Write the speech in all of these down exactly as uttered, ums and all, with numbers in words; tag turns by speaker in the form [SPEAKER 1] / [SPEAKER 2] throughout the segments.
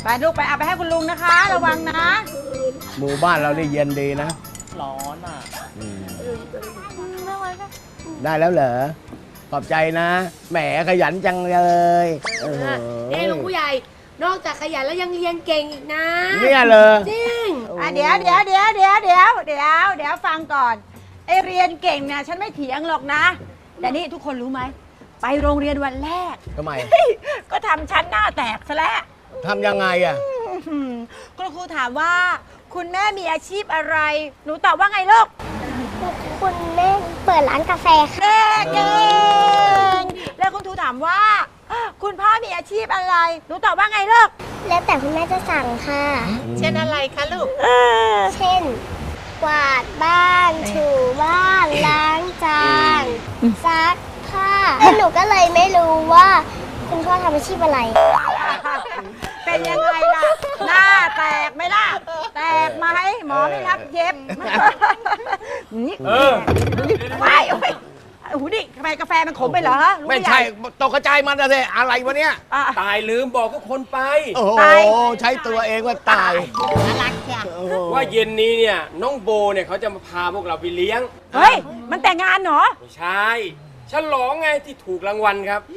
[SPEAKER 1] ไปลูกไปเอาไปให้คุณลุงนะคะ ระวังนะ
[SPEAKER 2] หมู่บ้านเราได้เย็นดีนะ
[SPEAKER 3] ร้อนอ่ะ
[SPEAKER 2] ได้แล้วเหรอขอบใจนะแหมขยันจังเลย
[SPEAKER 4] นี่ลุงผู้ใหญ่นอกจากขยันแล้วยังเรียนเก่งอีกนะ
[SPEAKER 2] เนี่ยเลย
[SPEAKER 4] จริง
[SPEAKER 1] เดี๋ยวเดี๋ยวเดี๋ยวเดี๋ยวเดี๋ยวเดี๋ยวเดี๋ยวฟังก่อนไอเรียนเก่งเนี่ยฉันไม่เถียงหรอกนะแต่นี่ทุกคนรู้ไหมไปโรงเรียนวันแรก
[SPEAKER 2] ทำไม
[SPEAKER 1] ก็ทำชั้นหน้าแตกซะแล้ว
[SPEAKER 2] ทำยังไงอ่ะ
[SPEAKER 1] คุณครูถามว่าคุณแม่มีอาชีพอะไรหนูตอบว่าไงลูก
[SPEAKER 5] คุณแม่เปิดร้านกาแฟ
[SPEAKER 1] ค่ะเก่งแล้วคุณครูถามว่าคุณพ่อมีอาชีพอะไรหนูตอบว่าไงลูก
[SPEAKER 5] แล้วแต่คุณแม่จะสั่งค่ะ
[SPEAKER 4] เช่นอะไรคะลูก
[SPEAKER 5] เช่นกวาดบ้านถูบ้านล้างจานซักผ้าแล้วหนูก็เลยไม่รู้ว่าคุณพ่อทำอาชีพอะไร
[SPEAKER 1] เป็นยังไงล่ะหน้าแตกไหมล่ะแตกไหมหมอไม่รับเย็บ
[SPEAKER 2] เออ
[SPEAKER 1] ไม่โอ้ยโอ้โหนี่ทำไมกาแฟมันขมไปเหรอ
[SPEAKER 2] ไม่ใช่ตกกระจายมันอะไรอะไรวะเนี่ย
[SPEAKER 3] ตายลืมบอกก็คนไป
[SPEAKER 2] โอ้โหใช้ตัวเองว่าตาย
[SPEAKER 4] น่ารักจ้ะ
[SPEAKER 3] ว่าเย็นนี้เนี่ยน้องโบเนี่ยเขาจะมาพาพวกเราไปเลี้ยง
[SPEAKER 1] เฮ้ยมันแต่งงานเหรอ
[SPEAKER 3] ไม่ใช่ฉลองไงที่ถูกรางวัลครับ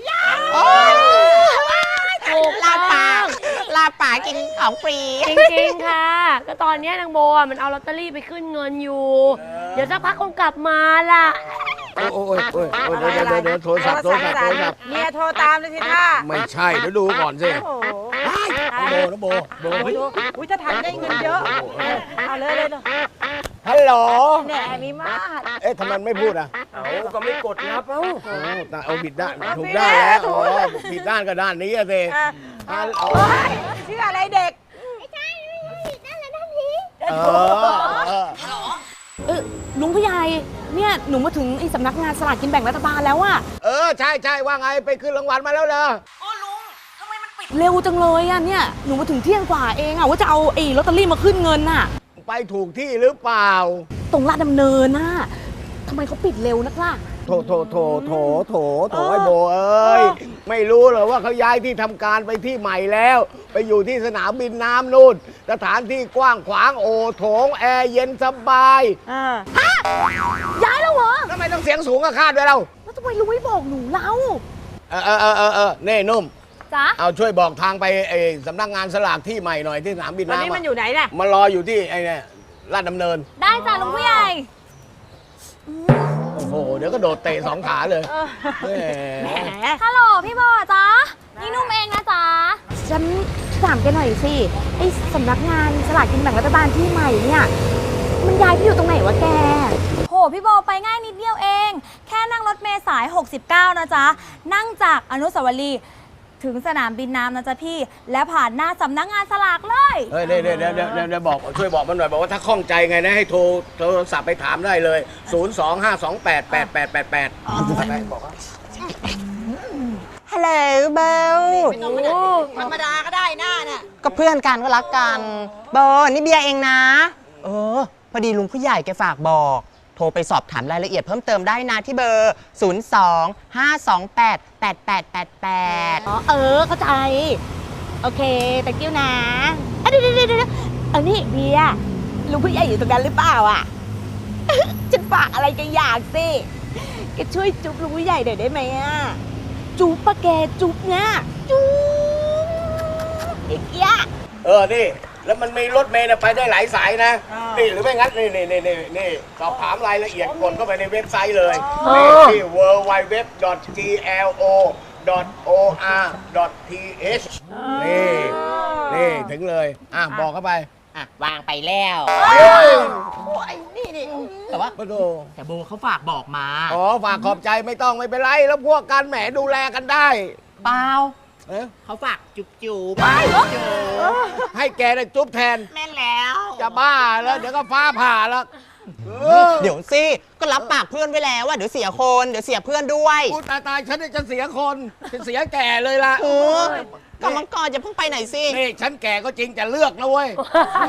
[SPEAKER 4] ถูกลาป่าลาป่ากินของฟรีจริงๆค่ะก็ตอนนี้นางโบมันเอาลอตเตอรี่ไปขึ้นเงินอยู่เดี๋ยวสักพักคงกลับมาล่ะ
[SPEAKER 2] โอ้ยโอ้ยโอ้ยเดี๋ยวเดี๋ยวเดี๋ยวโทรศัพท์โทรศัพท์โทรศัพท์
[SPEAKER 1] เมียโทรตามเลยสิท่า
[SPEAKER 2] ไม่ใช่เดี๋ยวดูก่อนสิโบนะโบโบ
[SPEAKER 1] อุ้ยถ้าทำได้เงินเยอะเอาเลยเลย
[SPEAKER 2] ฮัลโหล
[SPEAKER 1] แหนมีมาก
[SPEAKER 2] เอ๊ะทำไมไม่พูดอ่ะ
[SPEAKER 3] เอาก็ไม่กดรับเอ้า
[SPEAKER 2] เอาผิดด้านถูกด้านแล้วอ๋อผิดด้านก็ด้านนี้อะสิ
[SPEAKER 1] ชื่ออะไรเด็ก
[SPEAKER 5] ไม่ใช่ไม่ผิดด้านแล้วด้านนี้
[SPEAKER 2] เออ
[SPEAKER 6] เออลุงผู้ใหญ่เนี่ยหนูมาถึงไอ้สำนักงานสลากกินแบ่งรัฐบาลแล้วอะ
[SPEAKER 2] เออใช่ใช่ว่าไงไปขึ้นรางวัลมาแล้วเหรอ
[SPEAKER 6] โอ้ลุงทำไมมันปิดเร็วจังเลยอะเนี่ยหนูมาถึงเที่ยงกว่าเองอะว่าจะเอาไอ้ลอตเตอรี่มาขึ้นเงินน่ะ
[SPEAKER 2] ไปถูกที่หรือเปล่า
[SPEAKER 6] ตรงลาดดำเนินน่ะทำไมเขาปิดเร็วนักล่ะ
[SPEAKER 2] โถโถโถโถโถโถไอ้โบเอ้ยไม่รู้เหรอว่าเขาย้ายที่ทำการไปที่ใหม่แล้วไปอยู่ที่สนามบินน้ำนู่นสถานที่กว้างขวางโอโถงแอร์เย็นสบาย
[SPEAKER 6] ฮะย้ายแล้วเหรอ
[SPEAKER 2] ทำไมต้องเสียงสูงกับคาดด้วยเรา
[SPEAKER 6] แล้วทำไมลุงไม่บอกหนูเล่า
[SPEAKER 2] เออเออเออเออเน่นุ่ม
[SPEAKER 6] จ๊ะ
[SPEAKER 2] เอาช่วยบอกทางไปไอ้สำนักงานสลากที่ใหม่หน่อยที่สนามบินน้ำ
[SPEAKER 1] ตอนนี้มันอยู่ไหนน่ะ
[SPEAKER 2] มันรออยู่ที่ไอ้เนี่ยลาดดำเนิน
[SPEAKER 6] ได้จ้ะลุงผู้ใหญ่
[SPEAKER 2] โอ้โหเดี๋ยวก็โดดเตะสองขาเลย
[SPEAKER 6] แหมฮัลโหลพี่บอจ๊ะนี่นุ่มเองนะจ๊ะฉันถามแกหน่อยสิไอ้สำนักงานสลากกินแบ่งรัฐบาลที่ใหม่เนี่ยมันย้ายไปอยู่ตรงไหนวะแก
[SPEAKER 7] โหพี่โบไปง่ายนิดเดียวเองแค่นั่งรถเมล์สายหกสิบเก้านะจ๊ะนั่งจากอนุสาวรีย์ถึงสนามบินน้ำนะจ๊ะพี่และผ่านหน้าสำนักงานสลากเลย
[SPEAKER 2] เฮ้ยเดี๋ยวเดี๋ยวเดี๋ยวเดี๋ยวบอกช่วยบอกมันหน่อยบอกว่าถ้าข้องใจไงนะให้โทรโทรศัพท์ไปถามได้เลยศูนย์ สอง ห้า สอง แปด แปด แปด แปด แปดบอกว่า
[SPEAKER 8] ฮัลโหลเบล
[SPEAKER 1] ธรรมดาก็ได้หน้าน่ะ
[SPEAKER 8] ก็เพื่อนกันก็รักกันเบลนี่เบียร์เองนะเออพอดีลุงผู้ใหญ่แกฝากบอกโทรไปสอบถามรายละเอียดเพิ่มเติมได้นะที่เบอร์ ศูนย์ สอง ห้า สอง แปด แปด แปด แปด แปด
[SPEAKER 6] อ๋อเออเข้าใจโอเคแต่กิ้วนะอ่ะเดี๋ยวเดี๋ยวเดี๋ยวอันนี้เบียร์ลุงผู้ใหญ่อยู่ตรงนั้นหรือเปล่าอ่ะฉันฝากอะไรแกอยากสิแกช่วยจุ๊บลุงผู้ใหญ่หน่อยได้ไหมอ่ะจุ๊บปะแกจุ๊บเนี่ยจุ๊บอีกอ่ะ
[SPEAKER 2] เออนี่แล้วมันมีรถเมล์ไปได้หลายสายนะนี่หรือไม่งั้นนี่นี่นี่นี่นี่สอบถามรายละเอียดกดเข้าไปในเว็บไซต์เลยนี่ที่ ดับเบิลยู ดับเบิลยู ดับเบิลยู ดอท จี แอล โอ ดอท โอ อาร์ ดอท ที เอช นี่นี่ถึงเลยอ่ะบอกเข้าไป
[SPEAKER 8] อ่ะวางไปแล้ว
[SPEAKER 1] โอ้ยนี่นี่
[SPEAKER 8] แต่ว่าแต่โบเขาฝากบอกมา
[SPEAKER 2] อ๋อฝากขอบใจไม่ต้องไม่เป็นไรแล้วพวกกันแหมดูแลกันได้
[SPEAKER 8] เปล่าเขาฝากจุ๊บจุ๊บ
[SPEAKER 2] ให้แกได้จุ๊บแทน
[SPEAKER 8] แม่แล้ว
[SPEAKER 2] จะบ้าแล้วเดี๋ยวก็ฟ้าผ่าแล้ว
[SPEAKER 8] เดี๋ยวสิก็รับปากเพื่อนไว้แล้วว่าเดี๋ยวเสียคนเดี๋ยวเสียเพื่อนด้วย
[SPEAKER 2] พูดตายตายฉันจะเสียคนฉันเสียแก่เลยล่ะ
[SPEAKER 8] กำลังก่อนจะเพิ่งไปไหนสิ
[SPEAKER 2] นี่ฉันแก่ก็จริงจะเลือกนะเว้ย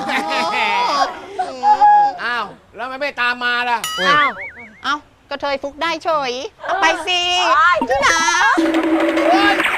[SPEAKER 2] อ้าวแล้วไม่ไม่ตามมาล่ะ
[SPEAKER 8] อ้าวอ้าวก็เธอฟุกได้เฉยไปสิจุ๊บนะ